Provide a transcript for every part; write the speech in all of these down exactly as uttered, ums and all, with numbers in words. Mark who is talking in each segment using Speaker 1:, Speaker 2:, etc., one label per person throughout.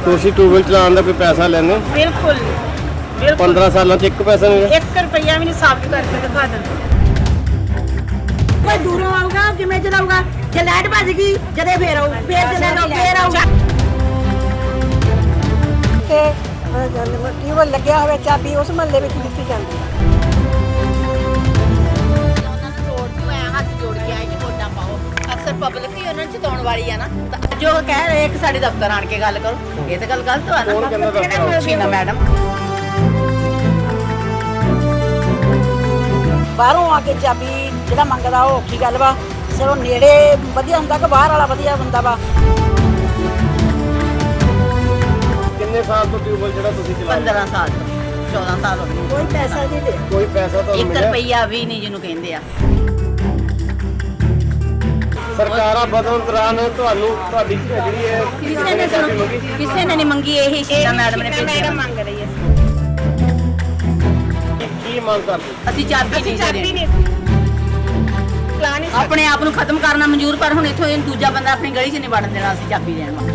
Speaker 1: ਤੁਸੀਂ ਟੂਬਲ ਚਲਾਉਣ ਦਾ ਕੋਈ ਪੈਸਾ ਲੈਂਦੇ?
Speaker 2: ਬਿਲਕੁਲ ਬਿਲਕੁਲ
Speaker 1: ਪੰਦਰਾਂ ਸਾਲਾਂ 'ਚ ਇੱਕ ਪੈਸਾ ਨਹੀਂ ਲਿਆ?
Speaker 2: ਇੱਕ ਰੁਪਈਆ ਵੀ ਨਹੀਂ ਸਾਬਤ ਕਰਕੇ ਦਿਖਾ ਦਿੰਦੇ।
Speaker 3: ਕੋਈ ਦੂਰੋਂ ਆਊਗਾ ਜਿਵੇਂ ਚਲਾਊਗਾ, ਜੇ ਲਾਈਟ ਭੱਜ ਗਈ ਜਦੇ ਫੇਰ ਆਊ, ਫੇਰ ਜਦੇ ਆਊ, ਫੇਰ ਆਊ
Speaker 4: ਤੇ ਟਿਊਬਲ ਲੱਗਿਆ ਹੋਵੇ ਚਾਬੀ ਉਸ ਮਹੱਲੇ ਵਿੱਚ ਦਿੱਤੀ ਜਾਂਦੀ ਹੈ।
Speaker 5: ਉਹਨਾਂ ਨੂੰ ਰੋਡ ਤੋਂ ਐ ਹੱਥ ਜੋੜ ਕੇ ਆਏ ਕਿ ਵੋਟਾਂ ਪਾਓ। ਅਕਸਰ ਪਬਲਿਕ ਹੀ ਉਹਨਾਂ ਨੂੰ ਜਿਤਾਉਣ ਵਾਲੀ ਆ ਨਾ, ਤਾਂ ਜੋ ਕਹਿ ਰਹੇ ਕਿ ਸਾਡੇ ਦਫ਼ਤਰ ਆਣ ਕੇ ਗੱਲ ਕਰੋ, ਇਹ ਤਾਂ ਗੱਲ ਗਲਤ ਆ
Speaker 1: ਕੌਣ ਕਹਿੰਦਾ ਦਫ਼ਤਰ ਆਓ?
Speaker 5: ਨਾ। ਸ਼ੀਨਾ ਮੈਡਮ
Speaker 4: ਬਾਹਰੋਂ ਆ ਕੇ ਚਾਬੀ ਜਿਹੜਾ ਮੰਗਦਾ ਉਹ ਔਖੀ ਗੱਲ ਵਾ। ਸਿਰੋਂ ਨੇੜੇ ਵਧੀਆ ਹੁੰਦਾ ਕਿ ਬਾਹਰ ਵਾਲਾ ਵਧੀਆ ਹੁੰਦਾ ਵਾ।
Speaker 1: ਕਿੰਨੇ ਸਾਲ ਤੋਂ ਟਿਊਬਲ ਜਿਹੜਾ ਤੁਸੀਂ ਚਲਾ ਰਹੇ
Speaker 5: ਪੰਦਰਾਂ ਸਾਲ ਤੋਂ ਚੌਦਾਂ ਸਾਲ ਹੋ ਗਏ।
Speaker 4: ਕੋਈ ਪੈਸਾ ਨਹੀਂ ਲਿਆ।
Speaker 1: ਹੋ? ਕੋਈ ਪੈਸਾ ਤੁਹਾਨੂੰ
Speaker 5: ਇੱਕ
Speaker 1: ਮਿਲਿਆ?
Speaker 5: ਰੁਪਈਆ ਵੀ ਨਹੀਂ ਜਿਹਨੂੰ ਕਹਿੰਦੇ ਆ।
Speaker 1: ਸਰਕਾਰਾਂ ਬਦਲਣ ਦੌਰਾਨ ਤੁਹਾਨੂੰ ਤੁਹਾਡੀ ਜਿਹੜੀ ਹੈ
Speaker 5: ਕਿਸੇ ਨੇ
Speaker 1: ਚਾਬੀ ਮੰਗੀ?
Speaker 5: ਕਿਸੇ ਨੇ ਨਹੀਂ ਮੰਗੀ, ਇਹੀ ਸ਼ੀਨਾ ਮੈਡਮ ਨੇ
Speaker 2: ਮੈਡਮ
Speaker 5: ਭੇਜਿਆ।
Speaker 2: ਮੰਗ ਰਹੀ ਹੈ।
Speaker 1: ਕੀ- ਕੀ ਮੰਗ ਕਰਦੇ?
Speaker 5: ਅਸੀਂ ਚਾਬੀ
Speaker 2: ਅਸੀਂ
Speaker 5: ਨਹੀਂ
Speaker 2: ਚਾਬੀ
Speaker 5: ਦੇਣੀ।
Speaker 2: ਨਹੀਂ ਚਲਾ ਨਹੀਂ ਸਕਦੇ।
Speaker 5: ਆਪਣੇ ਆਪ ਨੂੰ ਖਤਮ ਕਰਨਾ ਮਨਜ਼ੂਰ, ਪਰ ਹੁਣ ਇੱਥੋਂ ਇਹ ਦੂਜਾ ਬੰਦਾ ਆਪਣੀ ਗਲੀ 'ਚ ਨਹੀਂ ਵੜਨ ਦੇਣਾ ਅਸੀਂ ਚਾਬੀ ਦੇਣ ਵਾਲਾ।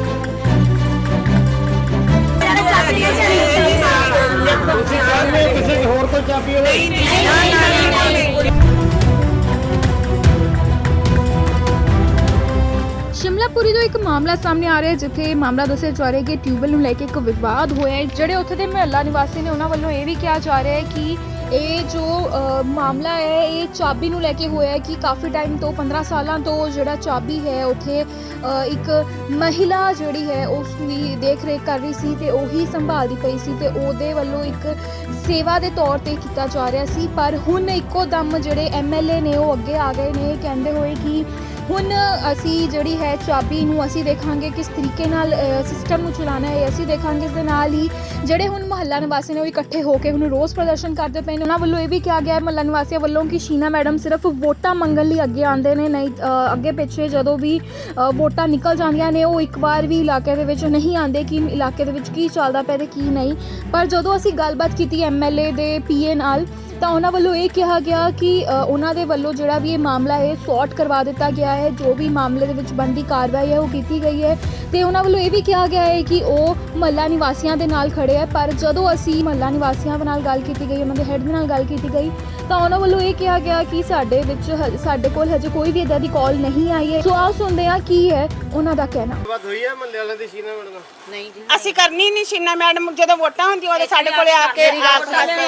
Speaker 1: ਤੁਸੀਂ ਚਾਹੁੰਦੇ ਹੋ ਕਿਸੇ ਦੀ ਹੋਰ ਕੋਈ ਚਾਬੀ ਹੋਵੇ?
Speaker 6: ਸ਼ਿਮਲਾਪੁਰੀ ਤੋਂ ਇੱਕ ਮਾਮਲਾ ਸਾਹਮਣੇ ਆ ਰਿਹਾ ਹੈ, ਜਿੱਥੇ ਮਾਮਲਾ ਦੱਸਿਆ ਜਾ ਰਿਹਾ ਹੈ ਕਿ ਟਿਊਬਲ ਨੂੰ ਲੈ ਕੇ ਇੱਕ ਵਿਵਾਦ ਹੋਇਆ ਹੈ। ਜਿਹੜੇ ਉੱਥੇ ਦੇ ਮੁਹੱਲਾ ਨਿਵਾਸੀ ਨੇ ਉਹਨਾਂ ਵੱਲੋਂ ਇਹ ਵੀ ਕਿਹਾ ਜਾ ਰਿਹਾ ਹੈ ਕਿ ਇਹ ਜੋ ਅ, ਮਾਮਲਾ ਹੈ ਇਹ ਚਾਬੀ ਨੂੰ ਲੈ ਕੇ ਹੋਇਆ ਹੈ ਕਿ ਕਾਫੀ ਟਾਈਮ ਤੋਂ ਪੰਦਰਾਂ ਸਾਲਾਂ ਤੋਂ ਜਿਹੜਾ ਚਾਬੀ ਹੈ ਉੱਥੇ ਅ, ਇੱਕ ਮਹਿਲਾ ਜਿਹੜੀ ਹੈ ਉਸ ਦੀ ਦੇਖ ਰੇਖ ਕਰ ਰਹੀ ਸੀ ਤੇ ਉਹੀ ਸੰਭਾਲਦੀ ਪਈ ਸੀ ਤੇ ਉਹਦੇ ਵੱਲੋਂ ਇੱਕ ਸੇਵਾ ਦੇ ਤੌਰ ਤੇ ਕੀਤਾ ਜਾ ਰਿਹਾ ਸੀ। ਪਰ ਹੁਣ ਇੱਕੋ ਦਮ ਜਿਹੜੇ ਐਮ ਐਲ ਏ ਨੇ ਉਹ ਅੱਗੇ ਆ ਗਏ ਨੇ ਕਹਿੰਦੇ ਹੋਏ ਕਿ ਹੁਣ ਅਸੀਂ ਜਿਹੜੀ ਹੈ ਚਾਬੀ ਨੂੰ ਅਸੀਂ ਦੇਖਾਂਗੇ ਕਿਸ ਤਰੀਕੇ ਨਾਲ ਸਿਸਟਮ ਨੂੰ ਚਲਾਉਣਾ ਹੈ, ਅਸੀਂ ਦੇਖਾਂਗੇ। ਇਸ ਦੇ ਨਾਲ ਹੀ ਜਿਹੜੇ ਹੁਣ ਮੁਹੱਲਾ ਨਿਵਾਸੀ ਨੇ ਉਹ ਇਕੱਠੇ ਹੋ ਕੇ ਹੁਣ ਰੋਸ ਪ੍ਰਦਰਸ਼ਨ ਕਰਦੇ ਪਏ ਨੇ। ਉਹਨਾਂ ਵੱਲੋਂ ਇਹ ਵੀ ਕਿਹਾ ਗਿਆ ਹੈ ਮੁਹੱਲਾ ਨਿਵਾਸੀਆਂ ਵੱਲੋਂ ਕਿ ਸ਼ੀਨਾ ਮੈਡਮ ਸਿਰਫ ਵੋਟਾਂ ਮੰਗਣ ਲਈ ਅੱਗੇ ਆਉਂਦੇ ਨੇ, ਨਹੀਂ ਅ, ਅੱਗੇ ਪਿੱਛੇ ਜਦੋਂ ਵੀ ਅ, ਵੋਟਾਂ ਨਿਕਲ ਜਾਂਦੀਆਂ ਨੇ ਉਹ ਇੱਕ ਵਾਰ ਵੀ ਇਲਾਕੇ ਦੇ ਵਿੱਚ ਨਹੀਂ ਆਉਂਦੇ ਕਿ ਇਲਾਕੇ ਦੇ ਵਿੱਚ ਕੀ ਚੱਲਦਾ ਪਿਆ ਤੇ ਕੀ ਨਹੀਂ। ਪਰ ਜਦੋਂ ਅਸੀਂ ਗੱਲਬਾਤ ਕੀਤੀ ਐਮ ਐਲ ਏ ਦੇ ਪੀ ਏ ਨਾਲ ਤਾਂ ਉਹਨਾਂ ਵੱਲੋਂ ਇਹ ਕਿਹਾ ਗਿਆ ਕਿ ਅ, ਉਹਨਾਂ ਦੇ ਵੱਲੋਂ ਜਿਹੜਾ ਵੀ ਇਹ ਮਾਮਲਾ ਹੈ ਸੌਰਟ ਕਰਵਾ ਦਿੱਤਾ ਗਿਆ ਹੈ, ਜੋ ਵੀ ਮਾਮਲੇ ਦੇ ਵਿੱਚ ਬਣਦੀ ਕਾਰਵਾਈ ਹੈ ਉਹ ਕੀਤੀ ਗਈ ਹੈ। ਤੇ ਉਹਨਾਂ ਵੱਲੋਂ ਇਹ ਵੀ ਕਿਹਾ ਗਿਆ ਹੈ ਕਿ ਉਹ ਮਹੱਲਾ ਨਿਵਾਸੀਆਂ ਦੇ ਨਾਲ ਖੜੇ ਹੈ। ਪਰ ਜਦੋਂ ਅਸੀਂ ਮਹੱਲਾ ਨਿਵਾਸੀਆਂ ਦੇ ਨਾਲ ਗੱਲ ਕੀਤੀ ਗਈ, ਉਹਨਾਂ ਦੇ ਹੈੱਡ ਦੇ ਨਾਲ ਗੱਲ ਕੀਤੀ ਗਈ ਤਾਂ ਉਹਨਾਂ ਵੱਲੋਂ ਇਹ ਕਿਹਾ ਗਿਆ ਕਿ ਸਾਡੇ ਵਿੱਚ ਹ- ਸਾਡੇ ਕੋਲ ਹਜੇ ਕੋਈ ਵੀ ਇੱਦਾਂ ਦੀ ਕਾਲ ਨਹੀਂ ਆਈ ਹੈ। ਸੋ ਆਓ ਸੁਣਦੇ ਹਾਂ ਕੀ ਹੈ ਉਹਨਾਂ ਦਾ ਕਹਿਣਾ।
Speaker 1: ਬਾਤ ਹੋਈ ਹੈ ਮਹੱਲੇ ਵਾਲਿਆਂ ਦੀ ਸ਼ੀਨਾ ਮੈਡਮ ਨਾਲ?
Speaker 5: ਨਹੀਂ ਜੀ,
Speaker 2: ਅਸੀਂ ਕਰਨੀ ਨਹੀਂ। ਸ਼ੀਨਾ ਮੈਡਮ ਜਦੋਂ ਵੋਟਾਂ ਹੁੰਦੀਆਂ ਉਹਦੇ ਸਾਡੇ ਕੋਲੇ ਆ ਕੇ ਆਪ ਕਰਦੇ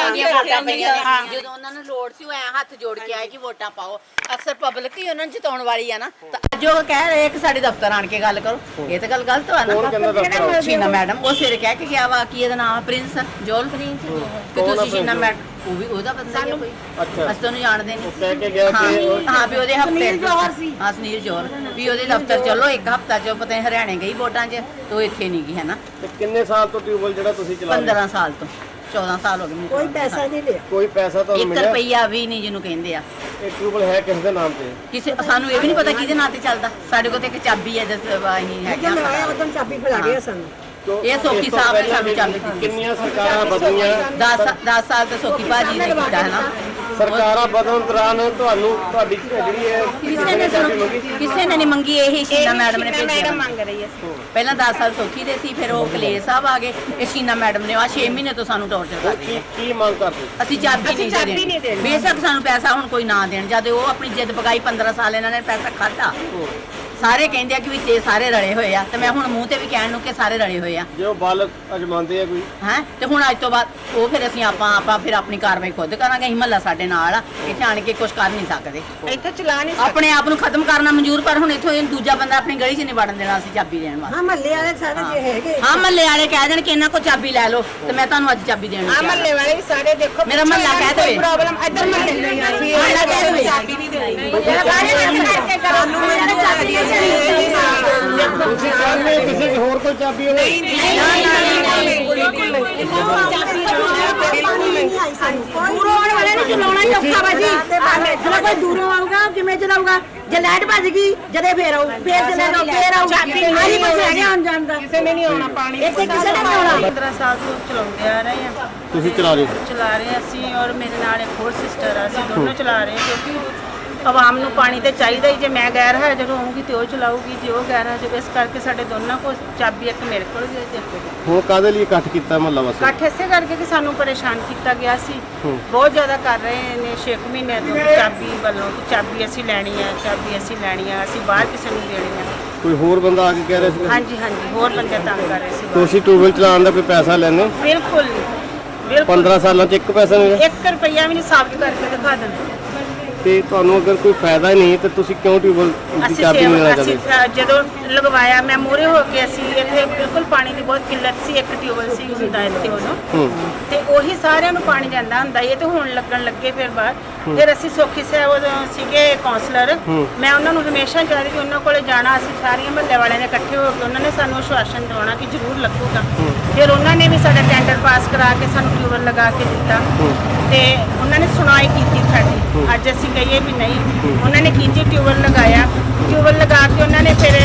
Speaker 2: ਹਾਂ।
Speaker 5: ਜਦੋਂ ਉਹਨਾਂ ਨੂੰ ਲੋੜ ਸੀ ਉਹ ਐ ਹੱਥ ਜੋੜ ਕੇ ਆਏ ਕਿ ਵੋਟਾਂ ਪਾਓ। ਅਕਸਰ ਪਬਲਿਕ ਹੀ ਉਹਨਾਂ ਨੂੰ ਜਿਤਾਉਣ ਵਾਲੀ ਆ ਨਾ, ਤਾਂ ਜੋ ਕਹਿ ਰਹੇ ਕਿ ਸਾਡੇ ਦਫ਼ਤਰ ਆਣ ਕੇ ਗੱਲ ਕਰੋ, ਇਹ ਤਾਂ ਗੱਲ ਗਲਤ ਆ
Speaker 1: ਕੌਣ ਕਹਿੰਦਾ ਦਫ਼ਤਰ ਆਓ?
Speaker 5: ਨਾ। ਸ਼ੀਨਾ ਮੈਡਮ ਉਹ ਸਿਰ ਕਹਿ ਕੇ ਗਿਆ ਵਾ ਕਿ ਇਹਦਾ ਨਾਮ ਪ੍ਰਿੰਸ ਜੋਲ ਪ੍ਰਿੰਸ ਕਿ
Speaker 1: ਕੌਣ ਆ
Speaker 5: ਤੁਸੀਂ ਸ਼ੀਨਾ
Speaker 1: ਪ੍ਰਿੰਸ?
Speaker 5: ਮੈਡਮ ਉਹ ਵੀ ਉਹਦਾ ਬੰਦਾ ਹੀ ਆ ਕੋਈ।
Speaker 1: ਅੱਛਾ।
Speaker 5: ਅਸੀਂ ਤੁਹਾਨੂੰ ਜਾਣਦੇ
Speaker 1: ਉਹ
Speaker 5: ਨਹੀਂ।
Speaker 1: ਕਹਿ ਕੇ ਗਿਆ
Speaker 5: ਹਾਂ
Speaker 1: ਕਿ ਉਹ-
Speaker 5: ਹਾਂ ਵੀ ਉਹਦੇ ਹਫਤੇ
Speaker 4: ਸੁਨੀਲ ਜੌਹਰ ਸੀ।
Speaker 5: ਹਾਂ ਸੁਨੀਲ ਜੌਹਰ ਵੀ ਉਹਦੇ ਦਫ਼ਤਰ ਚਲੋ ਇੱਕ ਹਫਤਾ ਚ ਪਤਾ ਨਹੀਂ ਹਰਿਆਣੇ ਗਈ ਵੋਟਾਂ 'ਚ ਤੇ ਉਹ ਇੱਥੇ ਨਹੀਂ ਗਈ ਹੈ ਨਾ।
Speaker 1: ਤੇ ਕਿੰਨੇ ਸਾਲ ਤੋਂ ਟਿਊਬਲ ਜਿਹੜਾ ਤੁਸੀਂ ਚਲਾ ਰਹੇ ਹੋ?
Speaker 5: ਪੰਦਰਾਂ ਸਾਲ ਤੋਂ ਚੌਦਾਂ ਸਾਲ ਹੋ ਗਏ ਮੈਨੂੰ।
Speaker 4: ਕੋਈ ਪੈਸਾ ਨਹੀਂ ਲਿਆ।
Speaker 1: ਕੋਈ ਪੈਸਾ ਤੁਹਾਨੂੰ
Speaker 5: ਇੱਕ
Speaker 1: ਮਿਲਿਆ?
Speaker 5: ਰੁਪਈਆ ਵੀ ਨਹੀਂ ਜਿਹਨੂੰ ਕਹਿੰਦੇ ਆ।
Speaker 1: ਇਹ ਟਿਊਬਲ ਹੈ ਕਿਸ ਦੇ ਨਾਮ ਤੇ?
Speaker 5: ਕਿਸੇ ਸਾਨੂੰ ਇਹ ਵੀ ਨਹੀਂ ਪਤਾ ਕਿਹਦੇ ਨਾਂ ਤੇ ਚੱਲਦਾ। ਸਾਡੇ ਕੋਲ ਤੇ ਇੱਕ ਚਾਬੀ ਹੈ ਜਿਸ ਅਸੀਂ ਹੈਗੇ
Speaker 4: ਜਦੋਂ ਆਇਆ
Speaker 5: ਆ।
Speaker 4: ਉਦੋਂ ਚਾਬੀ ਫੜਾ ਗਿਆ ਸਾਨੂੰ।
Speaker 1: ਕਿਉਂ?
Speaker 5: ਇਹ ਸੋਖੀ
Speaker 1: ਇਸ ਤੋਂ
Speaker 5: ਸਾਹਿਬ ਨੇ
Speaker 1: ਪਹਿਲਾਂ
Speaker 5: ਸਾਨੂੰ ਚਾਬੀ ਦਿੱਤੀ।
Speaker 1: ਕਿੰਨੀਆਂ ਸਰਕਾਰਾਂ ਬਦਲੀਆਂ?
Speaker 5: ਦਸ ਦਸ ਸਾਲ ਤੋਂ ਸੋਖੀ ਭਾਜੀ ਨੇ ਕੀਤਾ ਹੈ ਨਾ।
Speaker 1: ਸਰਕਾਰਾਂ ਬਦਲਣ ਦੌਰਾਨ ਤੁਹਾਨੂੰ ਤੁਹਾਡੀ ਜਿਹੜੀ ਹੈ
Speaker 5: ਕਿਸੇ ਨੇ
Speaker 1: ਚਾਬੀ ਮੰਗੀ?
Speaker 5: ਕਿਸੇ ਨੇ ਨਹੀਂ ਮੰਗੀ, ਇਹੀ ਸ਼ੀਨਾ ਮੈਡਮ ਨੇ
Speaker 2: ਮੈਡਮ
Speaker 5: ਭੇਜਿਆ।
Speaker 2: ਮੰਗ ਰਹੀ ਹੈ।
Speaker 5: ਪਹਿਲਾਂ ਦਸ ਸਾਲ ਸੋਖੀ ਦੇ ਸੀ, ਫਿਰ ਉਹ ਕਲੇਸ਼ ਸਾਹਿਬ ਆ ਗਏ। ਇਹ ਸ਼ੀਨਾ ਮੈਡਮ ਨੇ ਆ ਛੇ ਮਹੀਨੇ ਤੋਂ ਸਾਨੂੰ ਟੌਰਚਰ
Speaker 1: ਹੁਣ
Speaker 5: ਕਰ ਰਹੀ
Speaker 1: ਕੀ
Speaker 5: ਹੈ।
Speaker 1: ਕੀ ਮੰਗ ਕਰਦੇ?
Speaker 5: ਅਸੀਂ ਚਾਬੀ
Speaker 2: ਅਸੀਂ
Speaker 5: ਨਹੀਂ
Speaker 2: ਚਾਬੀ
Speaker 5: ਦੇਣੀ।
Speaker 2: ਨਹੀਂ ਦੇਣੀ।
Speaker 5: ਬੇਸ਼ੱਕ ਸਾਨੂੰ ਪੈਸਾ ਹੁਣ ਕੋਈ ਨਾ ਦੇਣ, ਜਦ ਉਹ ਆਪਣੀ ਜਿੱਦ ਪਕਾਈ ਪੰਦਰਾਂ ਸਾਲ ਇਹਨਾਂ ਨੇ ਪੈਸਾ ਖਾਧਾ। ਸਾਰੇ ਕਹਿੰਦੇ ਆ ਕਿ ਵਿੱਚ ਇਹ ਸਾਰੇ ਰਲੇ ਹੋਏ ਆ, ਤੇ ਮੈਂ ਹੁਣ ਮੂੰਹ ਤੇ ਵੀ ਕਹਿਣ ਨੂੰ ਕਿ ਸਾਰੇ ਰਲੇ ਹੋਏ ਆ
Speaker 1: ਜੇ ਉਹ ਬਾਲਕ ਅਜਮਾਉਂਦੇ ਆ ਕੋਈ?
Speaker 5: ਹੈ। ਤੇ ਹੁਣ ਅੱਜ ਤੋਂ ਬਾਅਦ ਉਹ ਫਿਰ ਅਸੀਂ ਆਪਾਂ ਆਪਾਂ ਫਿਰ ਆਪਣੀ ਕਾਰਵਾਈ ਖੁਦ ਕਰਾਂਗੇ। ਅਸੀਂ ਮਹੱਲਾ ਸਾਡੇ ਨਾਲ ਆ, ਇੱਥੇ ਆਣ ਕੇ ਕੁਝ ਕਰ ਨਹੀਂ ਸਕਦੇ।
Speaker 2: ਇੱਥੇ ਚਲਾ ਨਹੀਂ ਸਕਦੇ।
Speaker 5: ਆਪਣੇ ਆਪ ਨੂੰ ਖਤਮ ਕਰਨਾ ਮਨਜ਼ੂਰ, ਪਰ ਹੁਣ ਇੱਥੋਂ ਇਹ ਦੂਜਾ ਬੰਦਾ ਆਪਣੀ ਗਲੀ 'ਚ ਨਹੀਂ ਵੜਨ ਦੇਣਾ ਅਸੀਂ ਚਾਬੀ ਦੇਣ ਵਾਸਤੇ।
Speaker 4: ਹਾਂ ਮਹੱਲੇ ਵਾਲੇ ਸਾਰੇ ਜੇ ਹੈਗੇ।
Speaker 5: ਹਾਂ ਮਹੱਲੇ ਵਾਲੇ ਕਹਿ ਦੇਣ ਕਿ ਇਹਨਾਂ ਕੋਲ ਚਾਬੀ ਲੈ ਲਓ, ਤੇ ਮੈਂ ਤੁਹਾਨੂੰ ਅੱਜ ਚਾਬੀ ਦੇਣ
Speaker 2: ਆ
Speaker 5: ਨੂੰ
Speaker 2: ਮਹੱਲੇ ਵਾਲੇ ਵੀ ਸਾਰੇ ਦੇਖੋ
Speaker 5: ਮੇਰਾ ਮਹੱਲਾ ਕਹਿ ਦੇਵੇ।
Speaker 2: ਪ੍ਰੋਬਲਮ ਇੱਧਰ ਮਹੱਲੇ ਨਹੀਂ ਆ।
Speaker 5: ਮਹੱਲਾ ਕਹਿ ਦੇਵੇ।
Speaker 2: ਚਾਬੀ ਨਹੀਂ ਦੇਣੀ। ਸਾਨੂੰ ਮੇਰੇ ਚਾਬੀ
Speaker 1: ਤੁਸੀਂ ਚਾਹੁੰਦੇ ਹੋ ਕਿਸੇ ਦੀ ਹੋਰ ਕੋਈ ਚਾਬੀ ਹੋਵੇ?
Speaker 3: ਦੂਰੋਂ ਆਉਣ ਵਾਲੇ ਨੂੰ ਚਲਾਉਣਾ ਹੀ ਔਖਾ ਵਾ ਜੀ। ਜਦੋਂ ਕੋਈ ਦੂਰੋਂ ਆਊਗਾ ਜਿਵੇਂ ਚਲਾਊਗਾ, ਜੇ ਲਾਈਟ ਭੱਜ ਗਈ ਜਦੇ ਫੇਰ ਆਊ, ਫੇਰ ਜਦੇ ਆਊ, ਫੇਰ ਆਊ। ਆਹੀ ਕੁਛ ਹੈਗਾ ਆਉਣ ਜਾਣ ਦਾ।
Speaker 2: ਕਿਸੇ ਨੇ ਨਹੀਂ ਆਉਣਾ ਪਾਣੀ।
Speaker 3: ਇੱਥੇ ਕਿਸੇ ਨੇ ਨਹੀਂ ਆਉਣਾ।
Speaker 7: ਪੰਦਰਾਂ ਸਾਲ ਤੋਂ ਚਲਾਉਂਦੇ ਆ ਰਹੇ ਹਾਂ।
Speaker 1: ਤੁਸੀਂ ਚਲਾ ਰਹੇ ਹੋ?
Speaker 7: ਚਲਾ ਰਹੇ ਹਾਂ ਅਸੀਂ, ਔਰ ਮੇਰੇ ਨਾਲ ਇੱਕ ਹੋਰ ਸਿਸਟਰ ਆ, ਅਸੀਂ ਦੋਨੋਂ ਚਲਾ ਰਹੇ ਹਾਂ। ਕਿਉਂਕਿ ਆਵਾਮ ਨੂੰ ਪਾਣੀ ਤੇ ਚਾਹੀਦਾ ਹੀ। ਜੇ ਮੈਂ ਗੈਰ ਹਾਜ਼ਰ ਹੋਊਂਗੀ ਤੇ ਉਹ ਚਲਾਊਗੀ, ਜੇ ਉਹ ਗੈਰ ਹਾਜ਼ਰ, ਇਸ ਕਰਕੇ ਸਾਡੇ ਦੋਨਾਂ ਕੋਲ ਚਾਬੀ ਇੱਕ ਮੇਰੇ ਕੋਲ ਵੀ ਹੈ ਤੇ ਇੱਕ ਉਹਦੇ ਕੋਲ।
Speaker 1: ਹੁਣ ਕਾਹਦੇ ਲਈ ਇਕੱਠ ਕੀਤਾ ਮਹੱਲਾ ਵਾਸੀ?
Speaker 7: ਇਕੱਠ ਇਸੇ ਕਰਕੇ ਕਿ ਸਾਨੂੰ ਪਰੇਸ਼ਾਨ ਕੀਤਾ ਗਿਆ ਸੀ, ਬਹੁਤ ਜ਼ਿਆਦਾ ਕਰ ਰਹੇ ਨੇ ਛੇ ਕੁ ਮਹੀਨਿਆਂ ਤੋਂ ਕਿ ਚਾਬੀ ਵੱਲੋਂ ਕਿ ਚਾਬੀ ਅਸੀਂ ਲੈਣੀ ਹੈ, ਚਾਬੀ ਅਸੀਂ ਲੈਣੀ ਹੈ, ਅਸੀਂ ਬਾਹਰ ਕਿਸੇ ਨੂੰ ਦੇਣੀ ਹੈ।
Speaker 1: ਕੋਈ ਹੋਰ ਬੰਦਾ ਆ ਕੇ ਕਹਿ ਰਿਹਾ ਸੀ?
Speaker 7: ਹਾਂਜੀ ਹਾਂਜੀ, ਹੋਰ ਬੰਦੇ ਤੰਗ ਕਰ ਰਹੇ ਸੀ ਬਾਹਰ।
Speaker 1: ਤੁਸੀਂ ਟਿਊਬਵੈਲ ਚਲਾਉਣ ਦਾ ਕੋਈ ਪੈਸਾ ਲੈਂਦੇ ਹੋ?
Speaker 7: ਬਿਲਕੁਲ ਨਹੀਂ, ਬਿਲਕੁਲ
Speaker 1: ਪੰਦਰਾਂ ਸਾਲਾਂ 'ਚ ਇੱਕ ਪੈਸਾ ਨਹੀਂ ਲਿਆ?
Speaker 7: ਇੱਕ ਰੁਪਈਆ ਵੀ ਨਹੀਂ ਸਾਬਤ ਕਰਕੇ ਦਿਖਾ ਦੇਣ।
Speaker 1: ਤੇ ਤੁਹਾਨੂੰ ਅਗਰ ਕੋਈ ਫਾਇਦਾ ਹੀ ਨਹੀਂ ਤੇ ਤੁਸੀਂ ਕਿਉਂ ਟਿਊਬਵੈਲ ਦੀ
Speaker 7: ਅਸੀਂ
Speaker 1: ਚਾਬੀ ਨਹੀਂ ਲੈਣਾ
Speaker 7: ਸੇਵਾ ਅਸੀਂ
Speaker 1: ਚਾਹਦੇ?
Speaker 7: ਅ, ਜਦੋਂ ਲਗਵਾਇਆ ਮੈਂ ਮੂਹਰੇ ਹੋ ਕੇ, ਅਸੀਂ ਇੱਥੇ ਬਿਲਕੁਲ ਪਾਣੀ ਦੀ ਬਹੁਤ ਕਿੱਲਤ ਸੀ, ਇੱਕ ਟਿਊਬਵੈਲ ਸੀ ਹੁੰਦਾ ਇੱਥੇ ਉਦੋਂ,
Speaker 1: ਹੂੰ
Speaker 7: ਤੇ ਉਹੀ ਸਾਰਿਆਂ ਨੂੰ ਪਾਣੀ ਜਾਂਦਾ ਹੁੰਦਾ ਇਹ ਤੇ ਹੁਣ ਲੱਗਣ ਲੱਗੇ ਫਿਰ ਬਾਹਰ। ਫਿਰ ਅਸੀਂ ਸੋਖੀ ਸਾਹਿਬ ਉਦੋਂ ਸੀਗੇ ਕਾਉਂਸਲਰ, ਮੈਂ ਉਹਨਾਂ ਨੂੰ ਹਮੇਸ਼ਾ ਕਹਿੰਦੀ ਕਿ ਉਹਨਾਂ ਕੋਲੇ ਜਾਣਾ, ਅਸੀਂ ਸਾਰੀਆਂ ਮਹੱਲੇ ਵਾਲਿਆਂ ਨੇ ਇਕੱਠੇ ਹੋ ਕੇ ਉਹਨਾਂ ਨੇ ਸਾਨੂੰ ਆਸ਼ਵਾਸਨ ਦਿਵਾਉਣਾ ਕਿ ਜ਼ਰੂਰ ਲੱਗੂਗਾ। ਫਿਰ ਉਹਨਾਂ ਨੇ ਵੀ ਸਾਡਾ ਟੈਂਡਰ ਪਾਸ ਕਰਾ ਕੇ ਸਾਨੂੰ ਟਿਊਬਵੈਲ ਲਗਾ ਕੇ ਦਿੱਤਾ ਤੇ ਉਹਨਾਂ ਨੇ ਸੁਣਾਈ ਕੀਤੀ ਸਾਡੀ। ਅੱਜ ਅਸੀਂ ਕਹੀਏ ਵੀ ਨਹੀਂ, ਉਹਨਾਂ ਨੇ ਕੀਤੀ, ਟਿਊਬਵੈਲ ਲਗਾਇਆ, ਟਿਊਬਵੈਲ ਲਗਾ ਕੇ ਉਹਨਾਂ ਨੇ ਫਿਰ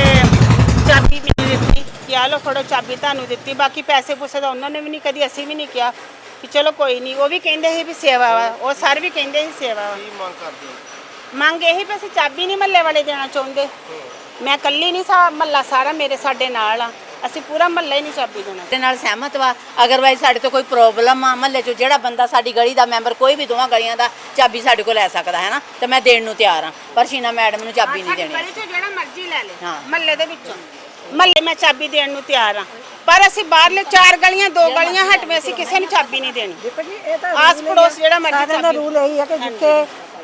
Speaker 7: ਚਾਬੀ ਮੈਨੂੰ ਦਿੱਤੀ ਕਿ ਆ ਲਓ ਫੜੋ ਚਾਬੀ ਤੁਹਾਨੂੰ ਦਿੱਤੀ। ਬਾਕੀ ਪੈਸੇ ਪੂਸੇ ਦਾ ਉਹਨਾਂ ਨੇ ਵੀ ਨਹੀਂ, ਕਦੀ ਅਸੀਂ ਵੀ ਨਹੀਂ ਕਿਹਾ ਕਿ ਚਲੋ ਕੋਈ ਨਹੀਂ। ਉਹ ਵੀ ਕਹਿੰਦੇ ਸੀ ਵੀ ਸੇਵਾ ਵਾ, ਉਹ ਸਰ ਵੀ ਕਹਿੰਦੇ ਸੀ ਸੇਵਾ ਵਾ।
Speaker 1: ਮੰਗ ਕਰਦੇ ਹੋ?
Speaker 7: ਮੰਗ ਇਹੀ ਵੀ ਅਸੀਂ ਚਾਬੀ ਨਹੀਂ ਮਹੱਲੇ ਵਾਲੇ ਦੇਣਾ ਚਾਹੁੰਦੇ। ਮੈਂ ਇਕੱਲੀ ਨਹੀਂ, ਸਾ ਮਹੱਲਾ ਸਾਰਾ ਮੇਰੇ ਸਾਡੇ ਨਾਲ ਆ, ਅਸੀਂ ਪੂਰਾ ਮਹੱਲਾ ਹੀ ਨਹੀਂ ਚਾਬੀ ਦੇਣਾ।
Speaker 5: ਤੇ ਨਾਲ ਸਹਿਮਤ ਵਾ। ਅਗਰਵਾਈਜ਼ ਸਾਡੇ ਤੋਂ ਕੋਈ ਪ੍ਰੋਬਲਮ ਆ ਮਹੱਲੇ 'ਚ, ਜਿਹੜਾ ਬੰਦਾ ਸਾਡੀ ਗਲੀ ਦਾ ਮੈਂਬਰ ਕੋਈ ਵੀ ਦੋਵਾਂ ਗਲੀਆਂ ਦਾ ਚਾਬੀ ਸਾਡੇ ਕੋਲ ਲੈ ਸਕਦਾ ਹੈ ਨਾ, ਤੇ ਮੈਂ ਦੇਣ ਨੂੰ ਤਿਆਰ ਹਾਂ, ਪਰ ਸ਼ੀਨਾ ਮੈਡਮ ਨੂੰ ਚਾਬੀ ਨਹੀਂ ਦੇਣੀ।
Speaker 7: ਗਲੀ 'ਚ ਜਿਹੜਾ ਮਰਜ਼ੀ ਲੈ ਲੈ,
Speaker 5: ਹਾਂ।
Speaker 7: ਮਹੱਲੇ ਦੇ ਵਿੱਚੋਂ ਮਹੱਲੇ ਮੈਂ ਚਾਬੀ ਦੇਣ ਨੂੰ ਤਿਆਰ ਹਾਂ, ਪਰ ਅਸੀਂ ਬਾਹਰਲੇ ਚਾਰ ਗਲੀਆਂ ਦੋ ਗਲੀਆਂ ਹਟਵੇਂ ਅਸੀਂ ਕਿਸੇ ਨੂੰ ਚਾਬੀ ਨਹੀਂ ਦੇਣੀ। ਆਸ ਪੜੋਸ ਜਿਹੜਾ ਮਰਜ਼ੀ
Speaker 3: ਸਾਰਿਆਂ ਦਾ ਰੂਲ ਇਹੀ ਹੈ ਕਿ ਜਿੱਥੇ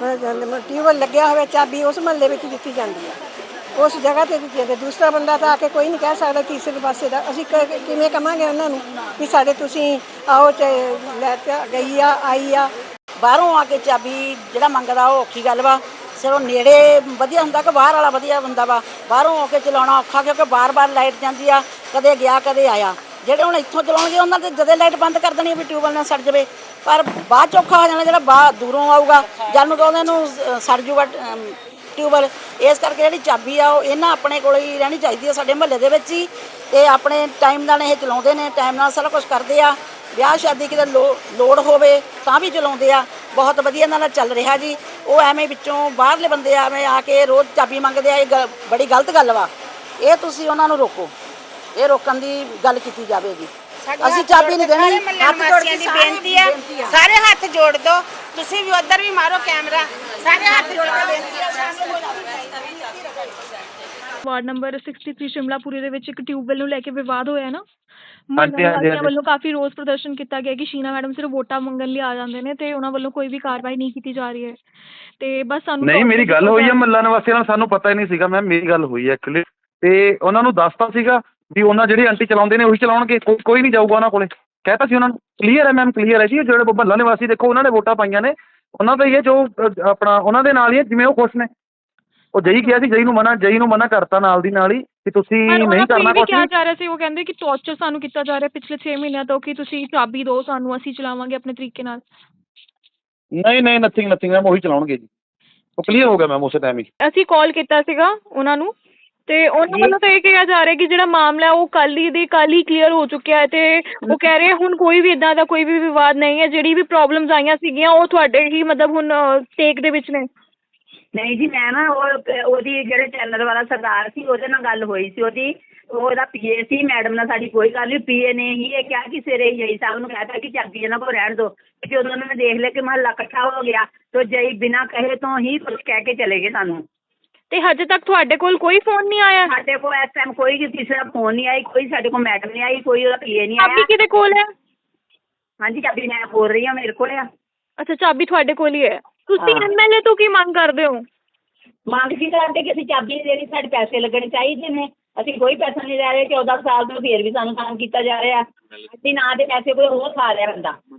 Speaker 3: ਟਿਊਬਵੈਲ ਲੱਗਿਆ ਹੋਵੇ ਚਾਬੀ ਉਸ ਮਹੱਲੇ ਵਿੱਚ ਦਿੱਤੀ ਜਾਂਦੀ ਹੈ, ਉਸ ਜਗ੍ਹਾ ਤੇ ਦਿੱਤੀ ਜਾਂਦੀ। ਦੂਸਰਾ ਬੰਦਾ ਤਾਂ ਆ ਕੇ ਕੋਈ ਨਹੀਂ ਕਹਿ ਸਕਦਾ ਤੀਸਰੇ ਪਾਸੇ ਦਾ। ਅਸੀਂ ਕ- ਕਿਵੇਂ ਕਵਾਂਗੇ ਉਹਨਾਂ ਨੂੰ ਵੀ ਸਾਡੇ ਤੁਸੀਂ ਆਓ ਚ ਲੈ ਕੇ ਗਈ ਆ ਆਈ ਆ।
Speaker 4: ਬਾਹਰੋਂ ਆ ਕੇ ਚਾਬੀ ਜਿਹੜਾ ਮੰਗਦਾ ਉਹ ਔਖੀ ਗੱਲ ਵਾ। ਸਿਰੋਂ ਨੇੜੇ ਵਧੀਆ ਹੁੰਦਾ ਕਿ ਬਾਹਰ ਵਾਲਾ ਵਧੀਆ ਹੁੰਦਾ ਵਾ। ਬਾਹਰੋਂ ਆ ਕੇ ਚਲਾਉਣਾ ਔਖਾ, ਕਿਉਂਕਿ ਬਾਰ-ਬਾਰ ਲਾਈਟ ਜਾਂਦੀ ਆ, ਕਦੇ ਗਿਆ ਕਦੇ ਆਇਆ। ਜਿਹੜੇ ਹੁਣ ਇੱਥੋਂ ਚਲਾਉਣਗੇ ਉਹਨਾਂ ਦੇ ਜਦੇ ਲਾਈਟ ਬੰਦ ਕਰ ਦੇਣੀ ਵੀ ਟਿਊਬਵੈਲ ਨਾਲ ਸੜ ਜਾਵੇ, ਪਰ ਬਾਅਦ 'ਚ ਔਖਾ ਹੋ ਜਾਣਾ ਜਿਹੜਾ ਬਾਹਰ ਦੂਰੋਂ ਆਊਗਾ, ਜਦ ਨੂੰ ਤਾਂ ਉਹਨਾਂ ਨੂੰ ਅ, ਸੜ ਜੂਗਾ ਟਿਊਬਵੈਲ। ਇਸ ਕਰਕੇ ਜਿਹੜੀ ਚਾਬੀ ਆ ਉਹ ਇਹਨਾਂ ਆਪਣੇ ਕੋਲ ਹੀ ਰਹਿਣੀ ਚਾਹੀਦੀ ਹੈ, ਸਾਡੇ ਮਹੱਲੇ ਦੇ ਵਿੱਚ ਹੀ। ਤੇ ਆਪਣੇ ਟਾਈਮ ਨਾਲ ਇਹ ਚਲਾਉਂਦੇ ਨੇ, ਟਾਈਮ ਨਾਲ ਸਾਰਾ ਕੁਝ ਕਰਦੇ ਆ। ਵਿਆਹ ਸ਼ਾਦੀ ਕਿਤੇ ਲੋ ਲੋੜ ਹੋਵੇ ਤਾਂ ਵੀ ਚਲਾਉਂਦੇ ਆ, ਬਹੁਤ ਵਧੀਆ ਇਹਨਾਂ ਨਾਲ ਚੱਲ ਰਿਹਾ ਜੀ। ਉਹ ਐਵੇਂ ਵਿੱਚੋਂ ਬਾਹਰਲੇ ਬੰਦੇ ਐਵੇਂ ਆ ਕੇ ਰੋਜ਼ ਚਾਬੀ ਮੰਗਦੇ ਆ, ਇਹ ਗ- ਬੜੀ ਗਲਤ ਗੱਲ ਵਾ। ਇਹ ਤੁਸੀਂ ਉਹਨਾਂ ਨੂੰ ਰੋਕੋ, ਇਹ ਰੋਕਣ ਦੀ ਗੱਲ ਕੀਤੀ ਜਾਵੇਗੀ। ਅਸੀਂ ਚਾਬੀ ਨਹੀਂ ਦੇਣੀ।
Speaker 7: ਹੱਥ ਜੋੜ ਕੇ ਦੀ ਬੇਨਤੀ ਆ, ਸਾਰੇ ਹੱਥ ਜੋੜ ਦੋ। ਤੁਸੀਂ ਵੀ ਉਧਰ ਵੀ ਮਾਰੋ ਕੈਮਰਾ, ਸਾਰੇ ਹੱਥ ਜੋੜ ਕੇ ਬੇਨਤੀ ਆ ਸਾਨੂੰ।
Speaker 6: ਵਾਰਡ ਨੰਬਰ ਤਿੰਨ ਸ਼ਿਮਲਾਪੁਰੀ ਦੇ ਵਿੱਚ ਇੱਕ ਟਿਊਬਵੈਲ ਨੂੰ ਲੈ ਕੇ ਵਿਵਾਦ ਹੋਇਆ ਨਾ,
Speaker 8: ਹਾਂਜੀ, ਹਾਂਜੀ,
Speaker 6: ਮਹੱਲਾ ਵੱਲੋਂ ਕਾਫੀ ਰੋਸ ਪ੍ਰਦਰਸ਼ਨ ਕੀਤਾ ਗਿਆ ਕਿ ਸ਼ੀਨਾ ਮੈਡਮ ਸਿਰਫ ਵੋਟਾਂ ਮੰਗਣ ਲਈ ਆ ਜਾਂਦੇ ਨੇ ਤੇ ਉਹਨਾਂ ਵੱਲੋਂ ਕੋਈ ਵੀ ਕਾਰਵਾਈ ਨਹੀਂ ਕੀਤੀ ਜਾ ਰਹੀ ਹੈ। ਤੇ ਬਸ ਸਾਨੂੰ
Speaker 8: ਨਹੀਂ, ਮੇਰੀ ਗੱਲ ਹੋਈ ਹੈ ਮਹੱਲਾ ਨਿਵਾਸੀਆਂ ਨਾਲ, ਸਾਨੂੰ ਪਤਾ ਹੀ ਨਹੀਂ ਸੀਗਾ ਮੈਮ, ਮੇਰੀ ਗੱਲ ਹੋਈ ਹੈ ਐਕਚੁਅਲੀ। ਤੇ ਉਹਨਾਂ ਨੂੰ ਦੱਸਤਾ ਸੀਗਾ ਵੀ ਉਹਨਾਂ ਜਿਹੜੀ ਆਂਟੀ ਚਲਾਉਂਦੇ ਨੇ ਉਹੀ ਚਲਾਉਣਗੇ, ਕੋਈ ਕੋਈ ਨਹੀਂ ਜਾਊਗਾ ਉਹਨਾਂ ਕੋਲੇ, ਕਹਿਤਾ ਸੀ ਉਹਨਾਂ ਨੂੰ। ਕਲੀਅਰ ਹੈ ਮੈਮ, ਕਲੀਅਰ ਹੈ ਜੀ। ਜਿਹੜੇ ਮਹੱਲਾ ਨਿਵਾਸੀ ਦੇਖੋ ਉਹਨਾਂ ਨੇ ਵੋਟਾਂ ਪਾਈਆਂ ਨੇ, ਉਹਨਾਂ ਦਾ ਹੀ ਹੈ ਜੋ ਅ, ਆਪਣਾ ਉਹਨਾਂ ਦੇ ਨਾਲ ਹੀ ਹੈ, ਜਿਵੇਂ ਉਹ ਖੁਸ਼ ਨੇ। ਉਹ ਜਈ ਕਿਹਾ ਸੀ, ਜਈ ਨੂੰ ਮਨਾ ਜਈ ਨੂੰ ਮਨਾ ਕਰਤਾ ਨਾਲ ਦੀ ਨਾਲ ਹੀ ਕਿ ਤੁਸੀਂ ਨਹੀਂ ਕਰਨਾ ਕੁਛ
Speaker 6: ਕਿਹਾ
Speaker 8: ਵੀ।
Speaker 6: ਜਾ ਰਿਹਾ ਸੀ, ਉਹ ਕਹਿੰਦੇ ਕਿ ਟੌਰਚਰ ਸਾਨੂੰ ਕੀਤਾ ਜਾ ਰਿਹਾ ਪਿਛਲੇ ਛੇ ਮਹੀਨਿਆਂ ਤੋਂ ਕਿ ਤੁਸੀਂ ਚਾਬੀ ਦਿਓ ਸਾਨੂੰ, ਅਸੀਂ ਚਲਾਵਾਂਗੇ ਆਪਣੇ ਤਰੀਕੇ ਨਾਲ।
Speaker 8: ਨਹੀਂ ਨਹੀਂ, ਨਥਿੰਗ ਨਥਿੰਗ ਮੈਮ, ਉਹੀ ਚਲਾਉਣਗੇ ਜੀ। ਉਹ ਕਲੀਅਰ ਹੋ ਗਿਆ ਮੈਮ ਉਸੇ ਟਾਈਮ ਹੀ।
Speaker 6: ਅਸੀਂ ਕਾਲ ਕੀਤਾ ਸੀਗਾ ਉਹਨਾਂ ਨੂੰ ਤੇ ਉਹਨਾਂ ਵੱਲੋਂ ਤਾਂ ਇਹ ਕਿਹਾ ਜਾ ਰਿਹਾ ਕਿ ਜਿਹੜਾ ਮਾਮਲਾ ਉਹ ਕੱਲ ਹੀ ਦੀ ਕੱਲ ਹੀ ਕਲੀਅਰ ਹੋ ਚੁੱਕਿਆ ਹੈ ਤੇ ਉਹ ਕਹਿ ਰਹੇ ਹੁਣ ਕੋਈ ਵੀ ਇਦਾਂ ਦਾ ਕੋਈ ਵੀ ਵਿਵਾਦ ਨਹੀਂ ਹੈ। ਜਿਹੜੀ ਵੀ ਪ੍ਰੋਬਲਮਸ ਆਈਆਂ ਸੀਗੀਆਂ ਉਹ ਤੁਹਾਡੇ ਹੀ ਮਤਲਬ ਹੁਣ ਟੇਕ ਦੇ ਵਿੱਚ ਨੇ।
Speaker 9: ਨਹੀਂ ਜੀ, ਮੈਂ ਨਾ ਉਹ ਉਹਦੀ ਜਿਹੜੇ ਚੈਨਲ ਵਾਲਾ ਸਰਦਾਰ ਸੀ ਉਹਦੇ ਨਾਲ ਗੱਲ ਹੋਈ ਸੀ, ਉਹਦੀ ਉਹਦਾ ਪੀਏ ਸੀ, ਮੈਡਮ ਨਾਲ ਸਾਡੀ ਕੋਈ ਗੱਲ ਨਹੀਂ। ਪੀਏ ਨੇ ਹੀ ਇਹ ਕਿਹਾ ਕਿ ਸਵੇਰੇ ਜਈ ਸਾਹਿਬ ਨੂੰ ਕਹਿਤਾ ਕਿ ਚਾਬੀ ਇਹਨਾਂ ਕੋਲ ਰਹਿਣ ਦਿਓ। ਜਦੋਂ ਉਹਨਾਂ ਨੇ ਦੇਖ ਲਿਆ ਕਿ ਮਹੱਲਾ ਇਕੱਠਾ ਹੋ ਗਿਆ ਤਾਂ ਜਈ ਬਿਨਾਂ ਕਹੇ ਤੋਂ ਹੀ ਕੁਝ ਕਹਿ ਕੇ ਚਲੇ ਗਏ ਸਾਨੂੰ।
Speaker 6: ਤੇ ਹਜੇ ਤੱਕ ਤੁਹਾਡੇ ਕੋਲ ਕੋਈ ਫੋਨ ਨਹੀਂ ਆਇਆ?
Speaker 9: ਸਾਡੇ ਕੋਲ ਇਸ ਟਾਈਮ ਕੋਈ ਕਿਸੇ ਦਾ ਫੋਨ ਨਹੀਂ ਆਈ, ਕੋਈ ਸਾਡੇ ਕੋਲ ਮੈਡਮ ਨਹੀਂ ਆਈ, ਕੋਈ ਉਹਦਾ ਪੀਏ ਨਹੀਂ
Speaker 6: ਚਾਬੀ
Speaker 9: ਆਇਆ।
Speaker 6: ਕਿਹਦੇ ਕੋਲ ਹੈ?
Speaker 9: ਹਾਂਜੀ, ਚਾਬੀ ਮੈਂ ਬੋਲ ਰਹੀ ਹਾਂ, ਮੇਰੇ ਕੋਲ ਆ।
Speaker 6: ਅੱਛਾ, ਚਾਬੀ ਤੁਹਾਡੇ ਕੋਲ ਹੀ ਹੈ। ਤੁਸੀਂ ਐਮਐਲਏ ਤੋਂ ਕੀ ਮੰਗ ਕਰਦੇ ਹੋ?
Speaker 9: ਮੰਗ ਕੀ ਕਰਦੇ ਕਿ ਅਸੀਂ ਚਾਬੀ ਨਹੀਂ ਦੇਣੀ, ਸਾਡੇ ਪੈਸੇ ਲੱਗਣੇ ਚਾਹੀਦੇ ਨੇ। ਅਸੀਂ ਕੋਈ ਪੈਸਾ ਨਹੀਂ ਲੈ ਰਹੇ, ਚੌਦਾਂ ਸਾਲ ਤੋਂ ਫੇਰ ਵੀ ਸਾਨੂੰ ਤੰਗ ਕੀਤਾ ਜਾ ਰਿਹਾ। ਅਸੀਂ ਨਾ ਦੇ ਪੈਸੇ ਕੋਈ ਹੋਰ ਖਾ ਰਿਹਾ ਬੰਦਾ।